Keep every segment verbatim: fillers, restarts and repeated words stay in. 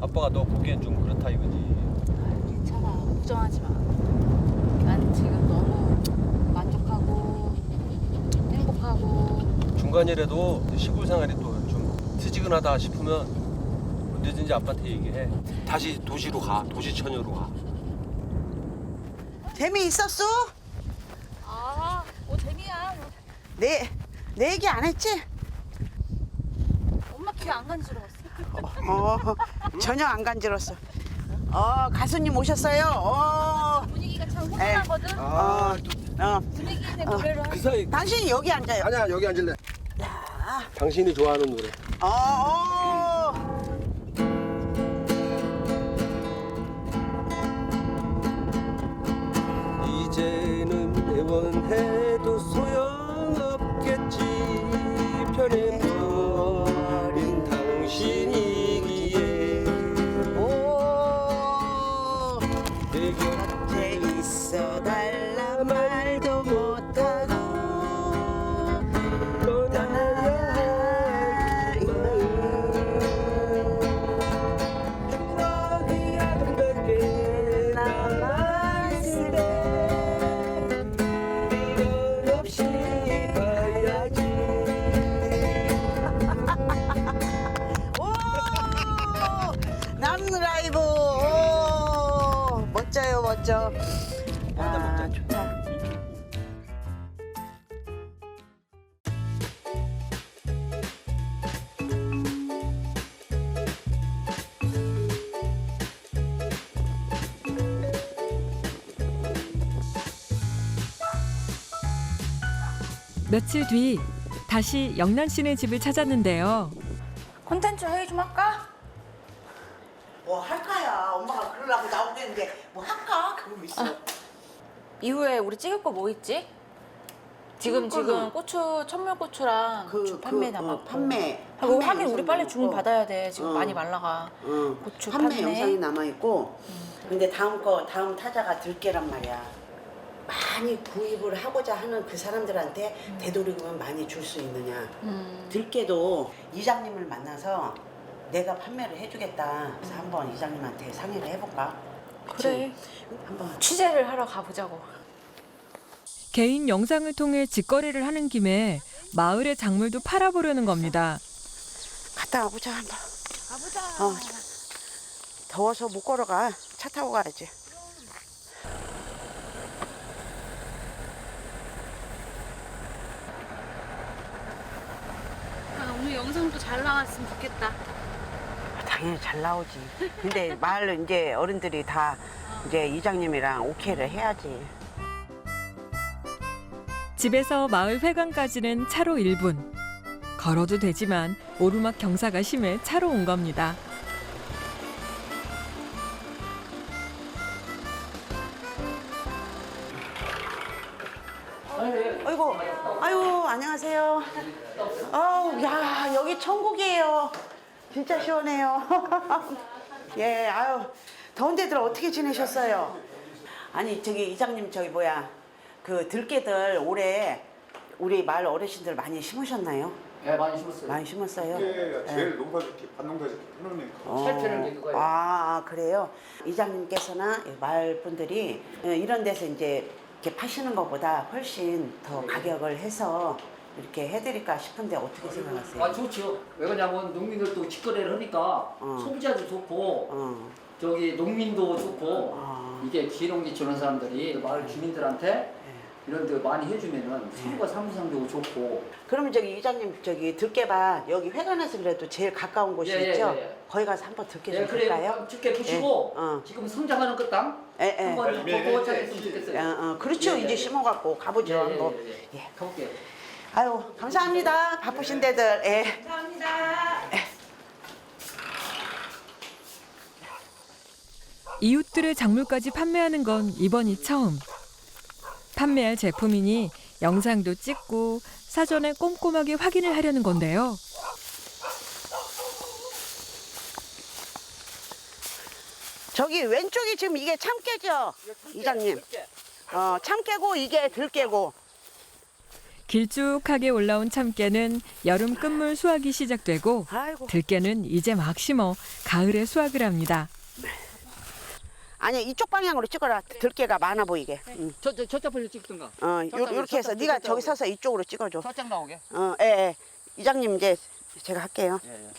아빠가 너 보기엔 좀 그렇다 이거지. 아, 괜찮아. 걱정하지 마. 난 지금 너무 만족하고 행복하고. 중간이라도 시골 생활이 또 좀 트지근하다 싶으면 언제든지 아빠한테 얘기해. 다시 도시로 가. 도시 처녀로 가. 재미있었어? 아, 뭐 재미야. 내, 내 얘기 안 했지? 엄마 귀 안 간지러웠어. 어, 전혀 안 간지럽었어. 어, 가수님 오셨어요. 어, 분위기가 참 훈훈하거든. 어, 어. 분위기 있는 어. 노래를 그 할 사이 당신이 여기 앉아요. 아니야 여기 앉을래. 야, 당신이 좋아하는 노래. 어, 어. 이제는 애원해도 소용없겠지. 편해버린 당신이기에 오, 내 곁에 있어 달라 말도 못하고 떠나야 할 마음. 추억이 아름답게 남아있을 때 미련 없이 가야지. 오, 남는 라이브. 오, 멋져요, 멋져. 아, 좋다. 며칠 뒤 다시 영란 씨네 집을 찾았는데요. 콘텐츠 회의 좀 할까? 뭐 할까야? 엄마가 그러려고 나오겠는데 뭐 할까? 그러고 있어. 이후에 우리 찍을 거 뭐 있지? 지금 찍을 지금 거는 고추 천물고추랑 고추 판매 그, 남았고. 어, 판매. 하고 판매 하긴 우리 영상이 빨리 남았고. 주문 받아야 돼. 지금 어. 많이 말라가. 응. 고추 판매 판매. 영상이 남아 있고. 근데 다음 거 다음 타자가 들깨란 말이야. 많이 구입을 하고자 하는 그 사람들한테 음. 되도록이면 많이 줄 수 있느냐. 음. 들깨도 이장님을 만나서 내가 판매를 해주겠다. 그래서 한번 이장님한테 상의를 해볼까? 그치? 그래. 한번. 취재를 하러 가보자고. 개인 영상을 통해 직거래를 하는 김에 마을의 작물도 팔아보려는 겁니다. 갔다 와보자 한번. 가보자. 어. 더워서 못 걸어가. 차 타고 가야지. 아, 오늘 영상도 잘 나왔으면 좋겠다. 당연히 잘 나오지. 근데 마을 이제 어른들이 다 이제 이장님이랑 오케이를 해야지. 집에서 마을 회관까지는 차로 일 분. 걸어도 되지만 오르막 경사가 심해 차로 온 겁니다. 아이고, 아유, 안녕하세요. 아우, 야, 여기 천국이에요. 진짜 시원해요. 예, 아유, 더운 데들 어떻게 지내셨어요? 아니, 저기 이장님, 저기 뭐야, 그 들깨들 올해 우리 마을 어르신들 많이 심으셨나요? 네, 많이 심었어요. 많이 심었어요? 이게 제일 농사짓기 반농사짓기 편하니까. 어. 살펴는 게 그거예요. 아, 그래요? 이장님께서나 마을 분들이 이런 데서 이제 이렇게 파시는 것보다 훨씬 더 가격을 해서 이렇게 해드릴까 싶은데 어떻게 생각하세요? 아, 좋죠. 왜 그러냐면 농민들도 직거래를 하니까 어. 소비자도 좋고 어, 저기 농민도 좋고 어. 이게 기농지 주는 사람들이 마을 주민들한테 이런 데 많이 해주면은 서로가 상부상조고 좋고. 그러면 저기 이장님 저기 들깨밭 여기 회관에서 그래도 제일 가까운 곳이 예, 예, 있죠? 예, 예. 거기 가서 한번 들깨 예, 좀 볼까요? 그래요. 직계 보시고 예, 어. 지금 성장하는 그 땅 예, 예. 한번 예, 보고 예, 찾았으면 예. 좋겠어요. 어, 어, 그렇죠. 예, 예, 이제 예. 심어갖고 가보죠 예, 예, 한번. 예, 예. 예. 가볼게요. 아유, 감사합니다. 바쁘신 데들. 예. 이웃들의 작물까지 판매하는 건 이번이 처음. 판매할 제품이니 영상도 찍고 사전에 꼼꼼하게 확인을 하려는 건데요. 저기 왼쪽이 지금 이게 참깨죠? 이장님. 어, 참깨고 이게 들깨고. 길쭉하게 올라온 참깨는 여름 끝물 수확이 시작되고 아이고. 들깨는 이제 막 심어 가을에 수확을 합니다. 아니 이쪽 방향으로 찍어라. 들깨가 많아 보이게. 응. 저, 저, 저쪽 벌려 찍든가. 어, 요, 저쪽, 요렇게 해서 저쪽, 네가 저쪽. 저기 서서 이쪽으로 찍어줘. 살짝 나오게. 어, 예, 예. 이장님 이제 제가 할게요. 예, 예.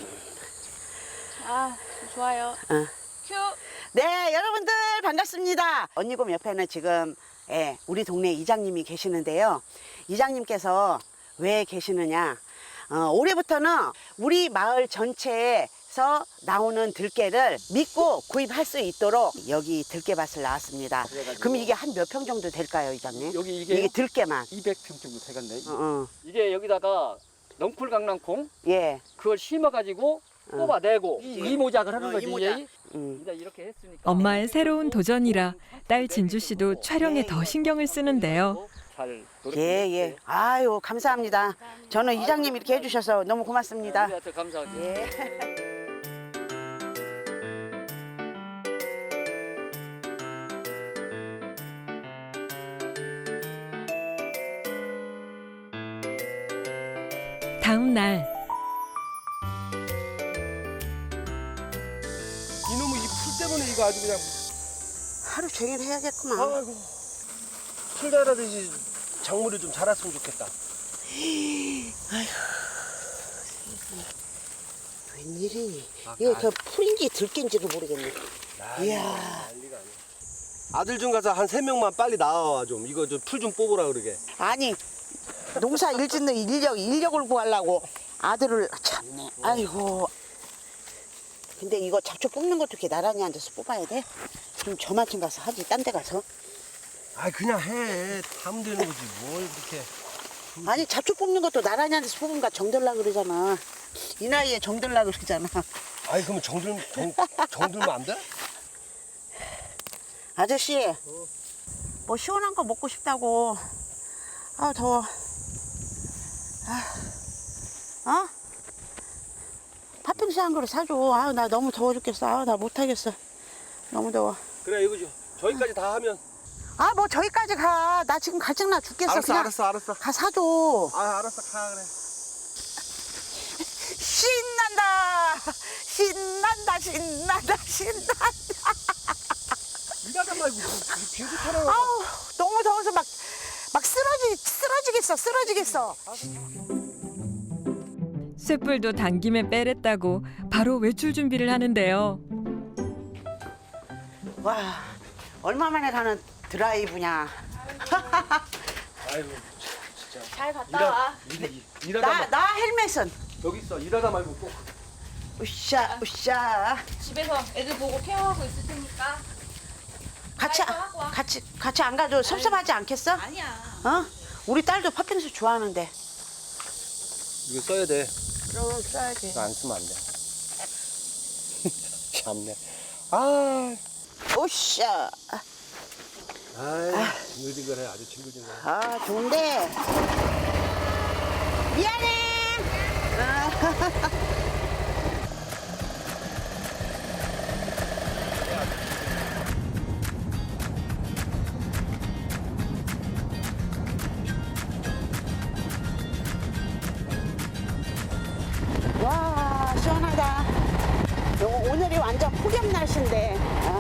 아, 좋아요. 어. 큐. 네, 여러분들 반갑습니다. 언니곰 옆에는 지금 예, 우리 동네 이장님이 계시는데요. 이장님께서 왜 계시느냐? 어, 올해부터는 우리 마을 전체에서 나오는 들깨를 믿고 구입할 수 있도록 여기 들깨밭을 나왔습니다. 그래가지고. 그럼 이게 한 몇 평 정도 될까요, 이장님? 여기 이게 이게 들깨만. 이백 평 정도 되겠네. 어, 어. 이게 여기다가 넝쿨 강낭콩 예. 그걸 심어가지고 뽑아내고 이모작을 하는 어, 거지. 이모작. 예. 음. 이제 이렇게 했으니까. 엄마의 새로운 도전이라 딸 진주 씨도 촬영에 더 신경을 쓰는데요. 잘 예, 예. 아유, 감사합니다. 저는 이장님 이렇게 해주셔서 너무 고맙습니다. 우리한테 감사하지. 예. 다음 날 이놈의 이 풀 때문에 이거 아주 그냥 하루 종일 해야겠구만. 아이고 풀 자라듯이 작물이 좀 자랐으면 좋겠다. 웬일이니? 아, 이거 아. 저 풀인지 들깨인지를 모르겠네. 이야. 난리가 아니야. 아들 좀 가서 한 세 명만 빨리 나와 좀 이거 좀 풀 좀 뽑으라 그러게. 아니, 농사 일 짓는 인력, 인력을 구하려고 아들을 참네. 아이고. 근데 이거 잡초 뽑는 것도 이렇게 나란히 앉아서 뽑아야 돼? 좀 저만큼 가서 하지, 딴 데 가서. 아 그냥 해. 하면 되는 거지 뭘 그렇게. 아니, 잡초 뽑는 것도 나란히 앉아서 뽑으면 정들라 그러잖아. 이 나이에 정들라 그러잖아. 아니 그러면 정들 정, 정들면 안 돼? 아저씨, 뭐 시원한 거 먹고 싶다고. 아, 더워. 아, 어? 팥빙수 한 그릇 사줘. 아, 나 너무 더워 죽겠어. 아, 나 못하겠어. 너무 더워. 그래 이거 좀 저기까지 다 하면. 아, 뭐 저기까지 가. 나 지금 갈증나 죽겠어. 알았어 그냥 알았어 알았어. 가 사줘. 아 알았어 가 그래. 신난다. 신난다. 신난다. 신난다. 일하다 말고 비행기 타라고. 아우, 너무 더워서 막, 막 쓰러지, 쓰러지겠어. 쓰러지겠어. 쇳불도 당김에 빼랬다고 바로 외출 준비를 하는데요. 와, 얼마 만에 가는 드라이브냐. 아이고 진짜. 잘 갔다 일하, 와. 일, 일하다 나, 말 나 헬멧은. 여기 있어. 일하다 말고 꼭. 으쌰, 으쌰. 집에서 애들 보고 케어하고 있을 테니까. 같이, 아이고, 하고 와. 같이, 같이 안 가도 섭섭하지 않겠어? 아니야. 어? 우리 딸도 팥빙수 좋아하는데. 이거 써야 돼. 그럼 써야지. 이거 안 쓰면 안 돼. 참네. 아. 으쌰. 아이, 징글징글해. 아주 징글징글해. 아, 좋은데. 미안해. 아. 와, 시원하다. 요거 오늘이 완전 폭염 날씨인데.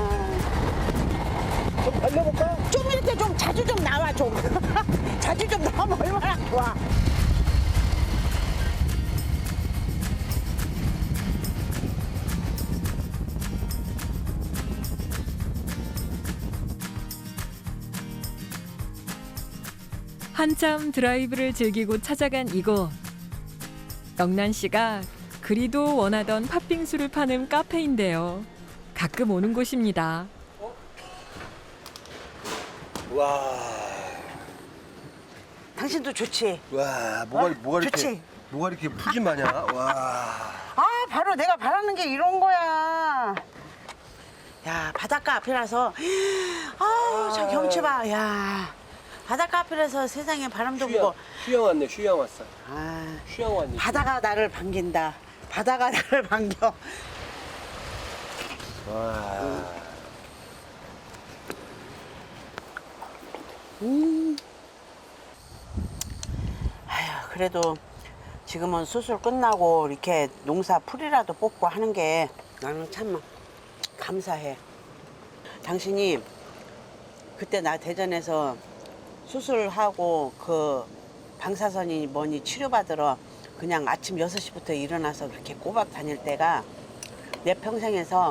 아. 좀 달려볼까? 좀 이렇게 좀 자주 좀 나와 좀. 자주 좀 나오면 얼마나 좋아. 한참 드라이브를 즐기고 찾아간 이곳. 영란 씨가 그리도 원하던 팥빙수를 파는 카페인데요. 가끔 오는 곳입니다. 와. 당신도 좋지? 와, 뭐가, 어? 뭐가 이렇게. 좋지? 뭐가 이렇게 푸짐하냐? 와. 아, 바로 내가 바라는 게 이런 거야. 야, 바닷가 앞이라서. 아우, 저 경치 봐. 야, 바닷가 앞이라서 세상에 바람도 휴양, 불고. 휴양 왔네, 휴양 왔어. 아, 휴양 왔네. 바다가 나를 반긴다. 바다가 나를 반겨. 와. 음. 그래도 지금은 수술 끝나고 이렇게 농사 풀이라도 뽑고 하는 게 나는 참 감사해. 당신이 그때 나 대전에서 수술하고 그 방사선이 뭐니 치료받으러 그냥 아침 여섯 시부터 일어나서 그렇게 꼬박 다닐 때가 내 평생에서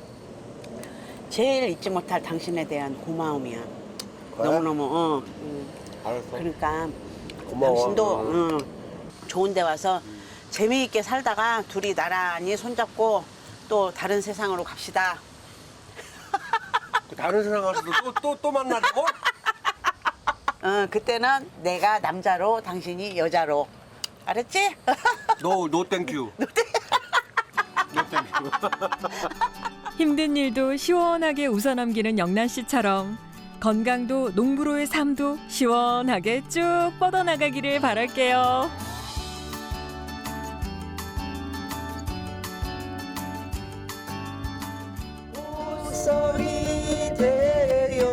제일 잊지 못할 당신에 대한 고마움이야. 그래? 너무너무 어. 음. 알았어. 그러니까 고마워. 당신도 응. 응, 좋은 데 와서 재미있게 살다가 둘이 나란히 손잡고 또 다른 세상으로 갑시다. 다른 세상 가서도 또 또 또 만나자고? 어, 그때는 내가 남자로 당신이 여자로. 알았지? 노, 노 땡큐. 노 땡큐. 힘든 일도 시원하게 웃어넘기는 영란 씨처럼 건강도 농부로의 삶도 시원하게 쭉 뻗어나가기를 바랄게요. 소리 되려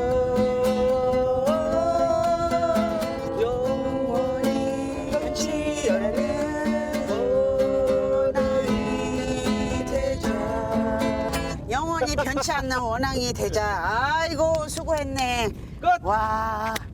영원히 변치 않는 원앙이 되자. 영원히 변치 않는 원앙이 되자. 아이고 수고했네. 끝. 와.